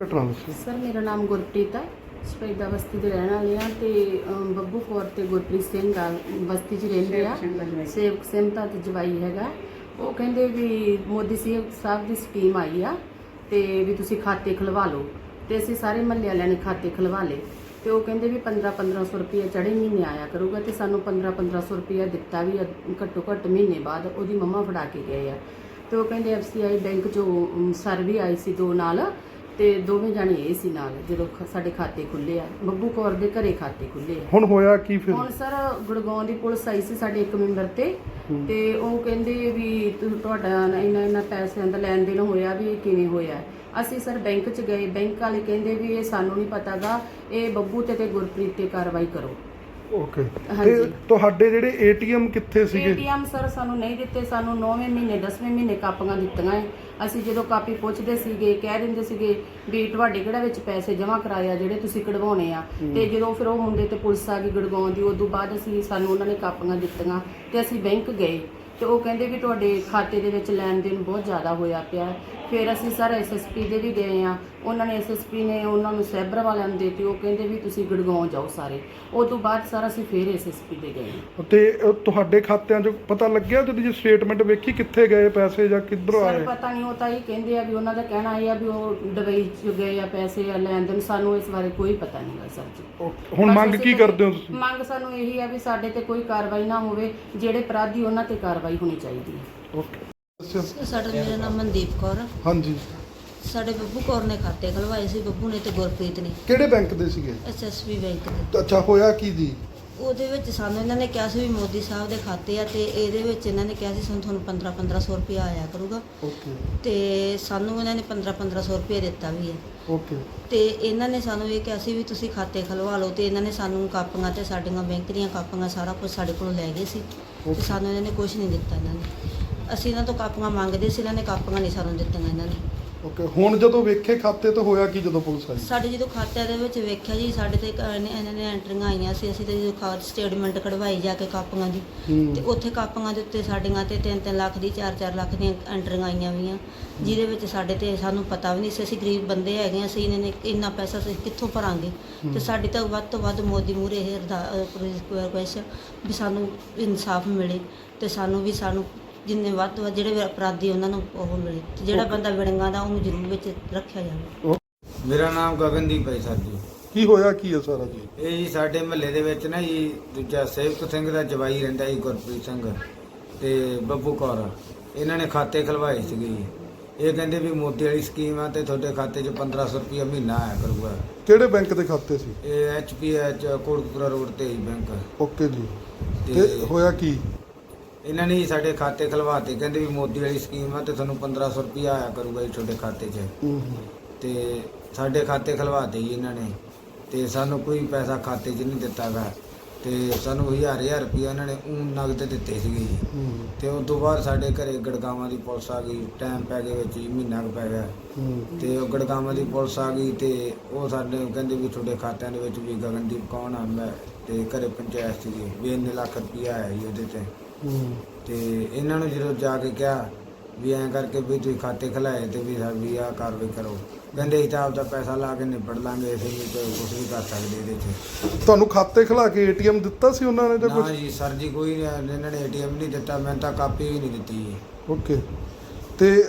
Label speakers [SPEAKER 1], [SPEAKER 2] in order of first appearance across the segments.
[SPEAKER 1] ਘਟਨਾ ਦੱਸੋ।
[SPEAKER 2] ਸਰ ਮੇਰਾ ਨਾਮ ਗੁਰਪ੍ਰੀਤ ਹੈ, ਸ਼ਹੀਦਾਂ ਬਸਤੀ ਦੇ ਰਹਿਣ ਵਾਲੇ ਆ ਤੇ ਬੱਬੂ ਕੌਰ ਤੇ ਗੁਰਪ੍ਰੀਤ ਸਿੰਘ ਆ ਬਸਤੀ 'ਚ ਰਹਿੰਦੇ ਆ। ਸੇਵਕ ਸਿੰਘ ਦਾ ਤੇ ਜਵਾਈ ਹੈਗਾ। ਉਹ ਕਹਿੰਦੇ ਵੀ ਮੋਦੀ ਸਾਹਿਬ ਦੀ ਸਕੀਮ ਆਈ ਆ ਤੇ ਵੀ ਤੁਸੀਂ ਖਾਤੇ ਖੁਲਵਾ ਲਓ ਤੇ ਅਸੀਂ ਸਾਰੇ ਮਹੱਲੇ ਵਾਲਿਆਂ ਨੇ ਖਾਤੇ ਖੁਲਵਾ ਲਏ ਤੇ ਉਹ ਕਹਿੰਦੇ ਵੀ 1500 ਰੁਪਏ ਚੜ੍ਹੇ ਮਹੀਨੇ ਆਇਆ ਕਰੂਗਾ ਤੇ ਸਾਨੂੰ 1500 ਰੁਪਏ ਦਿੱਤਾ ਵੀ ਘੱਟੋ ਘੱਟ ਮਹੀਨੇ ਬਾਅਦ ਉਹਦੀ ਮੰਮਾ ਫੜਾ ਕੇ ਗਏ ਆ। ਤੇ ਉਹ ਕਹਿੰਦੇ FCI ਬੈਂਕ 'ਚੋਂ ਸਰ ਵੀ ਆਈ ਸੀ ਦੋ ਨਾਲ ਤੇ ਦੋਵੇਂ ਜਾਣੇ ਇਹ ਸੀ ਨਾਲ ਜਦੋਂ ਸਾਡੇ ਖਾਤੇ ਖੁੱਲੇ ਆ। ਬੱਬੂ ਕੌਰ ਦੇ ਘਰੇ ਖਾਤੇ ਖੁੱਲੇ ਆ।
[SPEAKER 1] ਹੁਣ ਹੋਇਆ ਕੀ ਫਿਰ?
[SPEAKER 2] ਹੁਣ ਸਰ ਗੁੜਗਾਉਂ ਦੀ ਪੁਲਿਸ ਆਈ ਸੀ ਸਾਡੇ ਇੱਕ ਮੈਂਬਰ ਤੇ ਉਹ ਕਹਿੰਦੇ ਵੀ ਤੁਹਾਡਾ ਇਹਨਾਂ ਪੈਸਿਆਂ ਦਾ ਲੈਣ ਦੇਣ ਹੋਇਆ ਵੀ ਇਹ ਕਿਵੇਂ ਹੋਇਆ। ਅਸੀਂ ਸਰ ਬੈਂਕ 'ਚ ਗਏ, ਬੈਂਕ ਵਾਲੇ ਕਹਿੰਦੇ ਵੀ ਇਹ ਸਾਨੂੰ ਨਹੀਂ ਪਤਾਗਾ, ਇਹ ਬੱਬੂ ਤੇ ਗੁਰਪ੍ਰੀਤ ਤੇ ਕਾਰਵਾਈ ਕਰੋ।
[SPEAKER 1] ਓਕੇ, ਤੇ ਤੁਹਾਡੇ ਜਿਹੜੇ ATM ਕਿੱਥੇ ਸੀਗੇ?
[SPEAKER 2] ATM ਸਰ ਸਾਨੂੰ ਨਹੀਂ ਦਿੱਤੇ, ਸਾਨੂੰ 9ਵੇਂ ਮਹੀਨੇ 10ਵੇਂ ਮਹੀਨੇ ਕਾਪੀਆਂ ਦਿੱਤੀਆਂ ਹੈ। ਅਸੀਂ ਜਦੋਂ ਕਾਪੀ ਪੁੱਛਦੇ ਸੀਗੇ ਕਹਿ ਦਿੰਦੇ ਸੀਗੇ ਵੀ ਤੁਹਾਡੇ ਕਿਹੜਾ ਵਿੱਚ ਪੈਸੇ ਜਮ੍ਹਾਂ ਕਰਾਏ ਆ ਜਿਹੜੇ ਤੁਸੀਂ ਕਢਵਾਉਣੇ ਆ। ਤੇ ਜਦੋਂ ਫਿਰ ਉਹ ਮੁੰਡੇ ਤੇ ਪੁਲਿਸ ਆ ਗਈ ਗੁੜਗਾਉਂ ਦੀ, ਉਦੋਂ ਬਾਅਦ ਸਾਨੂੰ ਉਹਨਾਂ ਨੇ ਕਾਪੀਆਂ ਦਿੱਤੀਆਂ ਤੇ ਅਸੀਂ ਬੈਂਕ ਗਏ ਤੇ ਉਹ ਕਹਿੰਦੇ ਵੀ ਤੁਹਾਡੇ ਖਾਤੇ ਦੇ ਵਿੱਚ ਲੈਣ ਦੇਣ ਬਹੁਤ ਜ਼ਿਆਦਾ ਹੋਇਆ ਪਿਆ। ਫਿਰ ਅਸੀਂ ਸਰ SSP ਦੇ ਵੀ ਗਏ ਆ, ਉਹਨਾਂ ਨੇ SSP ਨੇ ਉਹਨਾਂ ਨੂੰ ਸਾਈਬਰ ਵਾਲਿਆਂ ਨੂੰ ਦੇਤੀ। ਉਹ ਕਹਿੰਦੇ ਵੀ ਤੁਸੀਂ ਗੁੜਗਾਉਂ ਜਾਓ ਸਾਰੇ। ਉਹ ਤੋਂ ਬਾਅਦ ਸਰ ਅਸੀਂ ਫਿਰ SSP ਦੇ ਗਏ
[SPEAKER 1] ਤੇ ਤੁਹਾਡੇ ਖਾਤਿਆਂ 'ਚ ਪਤਾ ਲੱਗਿਆ ਜਦੋਂ ਜੀ ਸਟੇਟਮੈਂਟ ਵੇਖੀ ਕਿੱਥੇ ਗਏ ਪੈਸੇ ਜਾਂ ਕਿੱਧਰੋਂ ਆਏ?
[SPEAKER 2] ਸਰ ਪਤਾ ਨਹੀਂ, ਉਹ ਤਾਂ ਇਹ ਕਹਿੰਦੇ ਆ ਵੀ ਉਹਨਾਂ ਦਾ ਕਹਿਣਾ ਇਹ ਆ ਵੀ ਉਹ ਦੁਬਈ 'ਚ ਗਏ ਆ ਪੈਸੇ ਆ ਲੈਣ ਦੇਣ। ਸਾਨੂੰ ਇਸ ਬਾਰੇ ਕੋਈ ਪਤਾ ਨਹੀਂ ਗਾ ਸਰ ਜੀ।
[SPEAKER 1] ਹੁਣ ਮੰਗ ਕੀ ਕਰਦੇ ਹੋ ਤੁਸੀਂ?
[SPEAKER 2] ਮੰਗ ਸਾਨੂੰ ਇਹੀ ਆ ਵੀ ਸਾਡੇ ਤੇ ਕੋਈ ਕਾਰਵਾਈ ਨਾ ਹੋਵੇ, ਜਿਹੜੇ ਅਪਰਾਧੀ ਉਹਨਾਂ ਤੇ ਕਾਰਵਾਈ ਹੋਣੀ ਚਾਹੀਦੀ ਹੈ।
[SPEAKER 1] ਓਕੇ,
[SPEAKER 3] ਮੇਰਾ ਨਾਮ ਮਨਦੀਪ ਕੌਰ।
[SPEAKER 1] ਹਾਂਜੀ,
[SPEAKER 3] ਸਾਡੇ ਬੱਬੂ ਕੌਰ ਨੇ ਖਾਤੇ ਖਲਵਾਏ ਸੀ, ਬੱਬੂ ਨੇ ਤੇ ਗੁਰਪ੍ਰੀਤ ਨੇ।
[SPEAKER 1] ਕਿਹੜੇ ਬੈਂਕ ਦੇ ਸੀਗੇ?
[SPEAKER 3] SSB ਬੈਂਕ ਦੇ।
[SPEAKER 1] ਅੱਛਾ, ਹੋਇਆ ਕੀ ਜੀ?
[SPEAKER 3] ਉਹਦੇ ਵਿੱਚ ਸਾਨੂੰ ਇਹਨਾਂ ਨੇ ਕਿਹਾ ਸੀ ਵੀ ਮੋਦੀ ਸਾਹਿਬ ਦੇ ਖਾਤੇ ਆ ਤੇ ਇਹਦੇ ਵਿੱਚ ਇਹਨਾਂ ਨੇ ਕਿਹਾ ਸੀ ਤੁਹਾਨੂੰ 1500 ਰੁਪਏ ਆਇਆ ਕਰੂਗਾ।
[SPEAKER 1] ਓਕੇ,
[SPEAKER 3] ਤੇ ਸਾਨੂੰ ਇਹਨਾਂ ਨੇ 1500 ਰੁਪਏ ਦਿੱਤਾ ਵੀ ਹੈ।
[SPEAKER 1] ਓਕੇ,
[SPEAKER 3] ਤੇ ਇਹਨਾਂ ਨੇ ਸਾਨੂੰ ਇਹ ਕਿਹਾ ਸੀ ਵੀ ਤੁਸੀਂ ਖਾਤੇ ਖਲਵਾ ਲਓ ਤੇ ਇਹਨਾਂ ਨੇ ਸਾਨੂੰ ਕਾਪੀਆਂ ਤੇ ਸਾਡੀਆਂ ਬੈਂਕ ਦੀਆਂ ਕਾਪੀਆਂ ਸਾਰਾ ਕੁਝ ਸਾਡੇ ਕੋਲੋਂ ਲੈ ਗਏ ਸੀ ਤੇ ਸਾਨੂੰ ਇਹਨਾਂ ਨੇ ਕੁਝ ਨਹੀਂ ਦਿੱਤਾ। ਇਹਨਾਂ ਨੇ ਅਸੀਂ ਇਹਨਾਂ ਤੋਂ ਕਾਪੀਆਂ ਮੰਗਦੇ ਸੀ, ਇਹਨਾਂ ਨੇ ਕਾਪੀਆਂ ਨਹੀਂ ਸਾਨੂੰ ਦਿੱਤੀਆਂ ਇਹਨਾਂ ਨੇ।
[SPEAKER 1] ਓਕੇ, ਹੁਣ ਜਦੋਂ ਵੇਖੇ ਖਾਤੇ ਤਾਂ ਹੋਇਆ ਕੀ ਜਦੋਂ ਪੁਲਿਸ ਆਈ?
[SPEAKER 3] ਸਾਡੇ ਜਦੋਂ ਖਾਤਿਆਂ ਦੇ ਵਿੱਚ ਵੇਖਿਆ ਜੀ ਸਾਡੇ ਤੇ ਇਹਨਾਂ ਨੇ ਐਂਟਰੀਆਂ ਆਈਆਂ ਸੀ। ਅਸੀਂ ਤੇ ਜਦੋਂ ਸਟੇਟਮੈਂਟ ਕਢਵਾਈ ਜਾ ਕੇ ਕਾਪੀਆਂ ਦੀ ਤੇ ਉੱਥੇ ਕਾਪੀਆਂ ਦੇ ਉੱਤੇ ਸਾਡੀਆਂ ਤੇ 3-3 ਲੱਖ ਦੀ 4-4 ਲੱਖ ਦੀਆਂ ਐਂਟਰੀਆਂ ਆਈਆਂ ਵੀਆਂ, ਜਿਹਦੇ ਵਿੱਚ ਸਾਡੇ ਤੇ ਸਾਨੂੰ ਪਤਾ ਵੀ ਨਹੀਂ ਸੀ। ਅਸੀਂ ਗਰੀਬ ਬੰਦੇ ਹੈਗੇ, ਅਸੀਂ ਇਹਨਾਂ ਨੇ ਇੰਨਾ ਪੈਸਾ ਅਸੀਂ ਕਿੱਥੋਂ ਭਰਾਂਗੇ। ਤੇ ਸਾਡੀ ਤਾਂ ਵੱਧ ਤੋਂ ਵੱਧ ਮੋਦੀ ਮੂਹਰੇ ਇਹ ਰਿਕੁਐਸਟ ਵੀ ਸਾਨੂੰ ਇਨਸਾਫ ਮਿਲੇ ਤੇ ਸਾਨੂੰ ਜਿੰਨੇ ਵੱਧ ਤੋਂ ਵੱਧ ਜਿਹੜੇ ਅਪਰਾਧੀ ਉਹਨਾਂ ਨੂੰ ਉਹ ਮਿਲੇ ਤੇ ਜਿਹੜਾ ਬੰਦਾ ਵਿੜੰਗਾ ਦਾ ਉਹਨੂੰ ਜ਼ਰੂਰ ਵਿੱਚ ਰੱਖਿਆ ਜਾਵੇ।
[SPEAKER 4] ਮੇਰਾ ਨਾਮ ਗਗਨਦੀਪ ਹੈ ਸਰ ਜੀ।
[SPEAKER 1] ਕੀ ਹੋਇਆ ਕੀ ਹੈ ਸਾਰਾ ਜੀ?
[SPEAKER 4] ਇਹ ਜੀ ਸਾਡੇ ਮਹੱਲੇ ਦੇ ਵਿੱਚ ਨਾ ਜੀ ਦੂਜਾ ਸੇਵਕ ਸਿੰਘ ਦਾ ਜਵਾਈ ਰਹਿੰਦਾ ਜੀ ਗੁਰਪ੍ਰੀਤ ਸਿੰਘ ਤੇ ਬੱਬੂ ਕੌਰ, ਇਹਨਾਂ ਨੇ ਖਾਤੇ ਖਲਵਾਏ ਸੀਗੇ ਜੀ। ਇਹ ਕਹਿੰਦੇ ਵੀ ਮੋਦੀ ਵਾਲੀ ਸਕੀਮ ਆ ਤੇ ਤੁਹਾਡੇ ਖਾਤੇ 'ਚ 1500 ਰੁਪਏ ਮਹੀਨਾ ਆਇਆ ਕਰੂਗਾ।
[SPEAKER 1] ਕਿਹੜੇ ਬੈਂਕ ਦੇ ਖਾਤੇ ਸੀ?
[SPEAKER 4] ਇਹ HPH ਕੋਟਕਪੂਰਾ ਰੋਡ ਤੇ ਹੀ ਬੈਂਕ।
[SPEAKER 1] ਓਕੇ ਜੀ, ਤੇ ਹੋਇਆ ਕੀ?
[SPEAKER 4] ਇਹਨਾਂ ਨੇ ਸਾਡੇ ਖਾਤੇ ਖਲਵਾਤੇ, ਕਹਿੰਦੇ ਵੀ ਮੋਦੀ ਵਾਲੀ ਸਕੀਮ ਆ ਤੇ ਤੁਹਾਨੂੰ 1500 ਰੁਪਏ ਆਇਆ ਕਰੂਗਾ ਜੀ ਤੁਹਾਡੇ ਖਾਤੇ 'ਚ। ਤੇ ਸਾਡੇ ਖਾਤੇ ਖਲਵਾਤੇ ਜੀ ਇਹਨਾਂ ਨੇ ਤੇ ਸਾਨੂੰ ਕੋਈ ਪੈਸਾ ਖਾਤੇ 'ਚ ਨਹੀਂ ਦਿੱਤਾ ਗਾ ਤੇ ਸਾਨੂੰ 1000 ਰੁਪਏ ਇਹਨਾਂ ਨੇ ਨਗਦ ਦਿੱਤੇ ਸੀਗੇ ਜੀ। ਤੇ ਉਸ ਤੋਂ ਬਾਅਦ ਸਾਡੇ ਘਰੇ ਗੜਗਾਵਾਂ ਦੀ ਪੁਲਿਸ ਆ ਗਈ, ਟਾਈਮ ਪੈ ਗਿਆ ਵਿੱਚ ਜੀ, ਮਹੀਨਾ ਕੁ ਪੈ ਗਿਆ। ਤੇ ਉਹ ਗੜਗਾਵਾਂ ਦੀ ਪੁਲਿਸ ਆ ਗਈ ਤੇ ਉਹ ਸਾਡੇ ਕਹਿੰਦੇ ਵੀ ਤੁਹਾਡੇ ਖਾਤਿਆਂ ਦੇ ਵਿੱਚ ਵੀ ਗਗਨਦੀਪ ਕੌਣ ਆ ਮੈਂ ਤੇ ਘਰੇ ਪੰਚਾਇਤ ਸੀਗੀ ਵੀ ਇੰਨੇ ਲੱਖ ਰੁਪਏ ਆਇਆ ਜੀ ਉਹਦੇ ਤੇ। ਤੇ ਇਹਨਾਂ ਨੂੰ ਜਦੋਂ ਜਾ ਕੇ ਕਿਹਾ ਵੀ ਐਂ ਕਰਕੇ ਵੀ ਤੁਸੀਂ ਖਾਤੇ ਖਲਾਏ ਤੇ ਵੀ ਆਹ ਕਾਰਵਾਈ ਕਰੋ, ਕਹਿੰਦੇ ਅਸੀਂ ਤਾਂ ਆਪਦਾ ਪੈਸਾ ਲਾ ਕੇ ਨਿਬੜ ਲਾਂਗੇ, ਅਸੀਂ ਵੀ ਕੁਝ ਵੀ ਕਰ ਸਕਦੇ ਇਹਦੇ 'ਚ।
[SPEAKER 1] ਤੁਹਾਨੂੰ ਖਾਤੇ ਖਲਾ ਕੇ ATM ਦਿੱਤਾ ਸੀ ਉਹਨਾਂ ਨੇ ਜਾਂ ਕੁਝ?
[SPEAKER 4] ਨਾ ਜੀ ਸਰ ਜੀ, ਕੋਈ ਇਹਨਾਂ ਨੇ ATM ਨਹੀਂ ਦਿੱਤਾ, ਮੈਨੂੰ ਤਾਂ ਕਾਪੀ ਵੀ ਨਹੀਂ ਦਿੱਤੀ ਜੀ।
[SPEAKER 1] ਓਕੇ, ਤੇ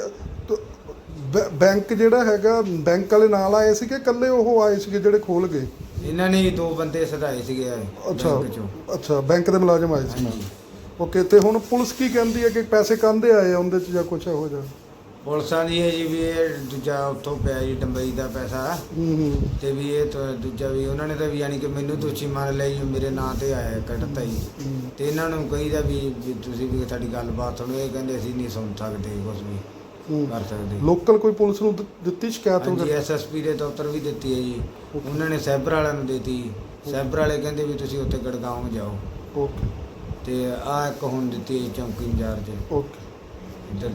[SPEAKER 1] ਬੈਂਕ ਜਿਹੜਾ ਹੈਗਾ ਬੈਂਕ ਵਾਲੇ ਨਾਲ ਆਏ ਸੀ ਕਿ ਇਕੱਲੇ ਉਹ ਆਏ ਸੀਗੇ ਜਿਹੜੇ ਖੋਲ ਗਏ?
[SPEAKER 4] ਇਹਨਾਂ ਨੇ 2 ਬੰਦੇ ਸਦਾਏ ਸੀਗੇ
[SPEAKER 1] ਅੱਛਾ
[SPEAKER 4] ਬੈਂਕ 'ਚੋਂ।
[SPEAKER 1] ਅੱਛਾ, ਬੈਂਕ ਦੇ ਮੁਲਾਜ਼ਮ ਆਏ ਸੀ। ਓਕੇ, ਤੇ ਹੁਣ ਪੁਲਿਸ ਕੀ ਕਹਿੰਦੀ ਹੈ ਕਿ ਪੈਸੇ ਕਾਹਦੇ ਆਏ ਆ ਉਹਦੇ 'ਚ ਜਾਂ ਕੁਛ ਇਹੋ ਜਿਹਾ?
[SPEAKER 4] ਪੁਲਿਸਾਂ ਦੀ ਹੈ ਜੀ ਵੀ ਇਹ ਦੂਜਾ ਉੱਥੋਂ ਪਿਆ ਜੀ ਡੰਬਈ ਦਾ ਪੈਸਾ ਤੇ ਵੀ ਇਹ ਦੂਜਾ ਵੀ ਉਹਨਾਂ ਨੇ ਤਾਂ ਵੀ ਯਾਨੀ ਕਿ ਮੈਨੂੰ ਦੋਸ਼ੀ ਮੰਨ ਲਿਆ ਜੀ, ਮੇਰੇ ਨਾਂ ਤੇ ਆਇਆ ਕੱਢਤਾ ਜੀ। ਤੇ ਇਹਨਾਂ ਨੂੰ ਕਹੀਦਾ ਵੀ ਤੁਸੀਂ ਵੀ ਸਾਡੀ ਗੱਲਬਾਤ ਸੁਣੋ, ਇਹ ਕਹਿੰਦੇ ਅਸੀਂ ਨਹੀਂ ਸੁਣ ਸਕਦੇ ਕੁਝ ਵੀ ਕਰ ਸਕਦੇ।
[SPEAKER 1] ਲੋਕਲ ਕੋਈ ਪੁਲਿਸ ਨੂੰ ਦਿੱਤੀ ਸ਼ਿਕਾਇਤ?
[SPEAKER 4] ਹਾਂਜੀ, SSP ਦੇ ਦਫ਼ਤਰ ਵੀ ਦਿੱਤੀ ਹੈ ਜੀ, ਉਹਨਾਂ ਨੇ ਸਾਈਬਰ ਵਾਲਿਆਂ ਨੂੰ ਦਿੱਤੀ। ਸਾਈਬਰ ਵਾਲੇ ਕਹਿੰਦੇ ਵੀ ਤੁਸੀਂ ਉੱਥੇ ਗੜਗਾਉਂ ਜਾਓ।
[SPEAKER 1] ਓਕੇ,
[SPEAKER 4] ਤੇ ਆ ਇੱਕ ਹੁਣ ਦਿੱਤੀ ਹੈ ਚੌਂਕੀ ਇੰਚਾਰਜ
[SPEAKER 1] ਓਕੇ।
[SPEAKER 4] ਇੱਧਰ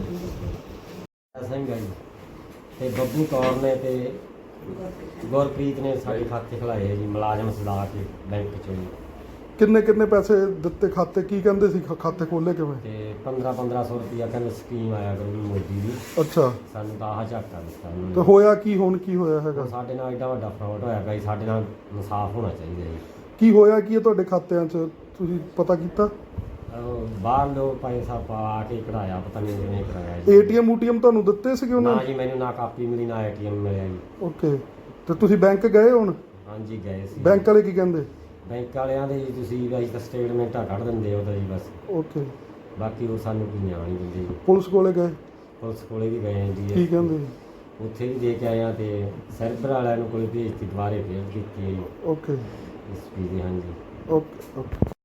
[SPEAKER 5] ਸਿੰਘ ਹੈ ਜੀ ਤੇ ਬੱਬੂ ਕੌਰ ਨੇ ਤੇ ਗੁਰਪ੍ਰੀਤ ਨੇ ਸਾਡੇ ਖਾਤੇ ਖਲਾਏ ਜੀ ਮੁਲਾਜ਼ਮ ਸਦਾ ਕੇ ਬੈਂਕ 'ਚੋਂ ਜੀ।
[SPEAKER 1] ਕਿੰਨੇ ਕਿੰਨੇ ਪੈਸੇ ਦਿੱਤੇ ਖਾਤੇ, ਕੀ ਕਹਿੰਦੇ ਸੀ ਖਾਤੇ ਖੋਲੇ ਕਿਵੇਂ?
[SPEAKER 5] ਤੇ 1500 ਰੁਪਇਆ ਕਹਿੰਦੇ ਸਕੀਮ ਆਇਆ ਕਰੂਗੀ ਮੋਦੀ ਦੀ।
[SPEAKER 1] ਅੱਛਾ,
[SPEAKER 5] ਸਾਨੂੰ ਤਾਂ ਆਹ ਝਾਕਾ ਦਿੱਤਾ ਉਹਨਾਂ
[SPEAKER 1] ਤੇ
[SPEAKER 5] ਨੇ।
[SPEAKER 1] ਹੋਇਆ ਕੀ ਹੁਣ, ਕੀ ਹੋਇਆ ਹੈਗਾ?
[SPEAKER 5] ਸਾਡੇ ਨਾਲ ਐਡਾ ਵੱਡਾ ਫਰਾਡ ਹੋਇਆ ਪਿਆ ਜੀ, ਸਾਡੇ ਨਾਲ ਇਨਸਾਫ ਹੋਣਾ ਚਾਹੀਦਾ ਜੀ।
[SPEAKER 1] ਕੀ ਹੋਇਆ ਕੀ ਹੈ ਤੁਹਾਡੇ ਖਾਤਿਆਂ 'ਚ, ਤੁਸੀਂ ਪਤਾ ਕੀਤਾ?
[SPEAKER 5] ਬਾਹਰ ਲੋਕ ਪੈਸਾ ਪਾ ਕੇ ਕਢਾਇਆ, ਪਤਾ ਨਹੀਂ ਕਿਵੇਂ ਕਰਾਇਆ ਜੀ।
[SPEAKER 1] ਏਟੀਐਮ ਊਟੀਐਮ ਤੁਹਾਨੂੰ ਦਿੱਤੇ ਸੀਗੇ ਉਹਨਾਂ
[SPEAKER 5] ਨਾ
[SPEAKER 1] ਨੇ?
[SPEAKER 5] ਜੀ, ਮੈਨੂੰ ਨਾ ਕਾਪੀ ਮਿਲੀ ਨਾ ਏਟੀਐਮ ਮਿਲਿਆ ਜੀ।
[SPEAKER 1] ਓਕੇ, ਤੇ ਤੁਸੀਂ ਬੈਂਕ ਗਏ ਹੁਣ?
[SPEAKER 5] ਹਾਂਜੀ ਗਏ ਸੀ।
[SPEAKER 1] ਬੈਂਕ ਵਾਲੇ ਕੀ ਕਹਿੰਦੇ?
[SPEAKER 5] ਬੈਂਕ ਵਾਲਿਆਂ ਦੇ ਜੀ ਤੁਸੀਂ ਅਸੀਂ ਤਾਂ ਸਟੇਟਮੈਂਟਾਂ ਕੱਢ ਦਿੰਦੇ ਉਹਦਾ ਜੀ ਬਸ,
[SPEAKER 1] ਓਕੇ,
[SPEAKER 5] ਬਾਕੀ ਉਹ ਸਾਨੂੰ ਕੋਈ ਨਿਆਂ ਨਹੀਂ ਦਿੰਦੇ ਜੀ।
[SPEAKER 1] ਪੁਲਿਸ ਕੋਲੇ ਗਏ,
[SPEAKER 5] ਪੁਲਿਸ ਕੋਲੇ ਵੀ ਗਏ
[SPEAKER 1] ਕੀ
[SPEAKER 5] ਜੀ,
[SPEAKER 1] ਕਹਿੰਦੇ?
[SPEAKER 5] ਉੱਥੇ ਵੀ ਦੇ ਕੇ ਆਏ ਆ ਤੇ ਸਰਵਰ ਵਾਲਿਆਂ ਨੂੰ ਕੋਈ ਭੇਜਤੀ, ਦੁਬਾਰੇ ਫੇਰ ਕੀਤੀ ਹੈ ਜੀ
[SPEAKER 1] ਓਕੇ
[SPEAKER 5] ਐਸਪੀ ਦੇ। ਹਾਂਜੀ
[SPEAKER 1] ਓਕੇ ਓਕੇ।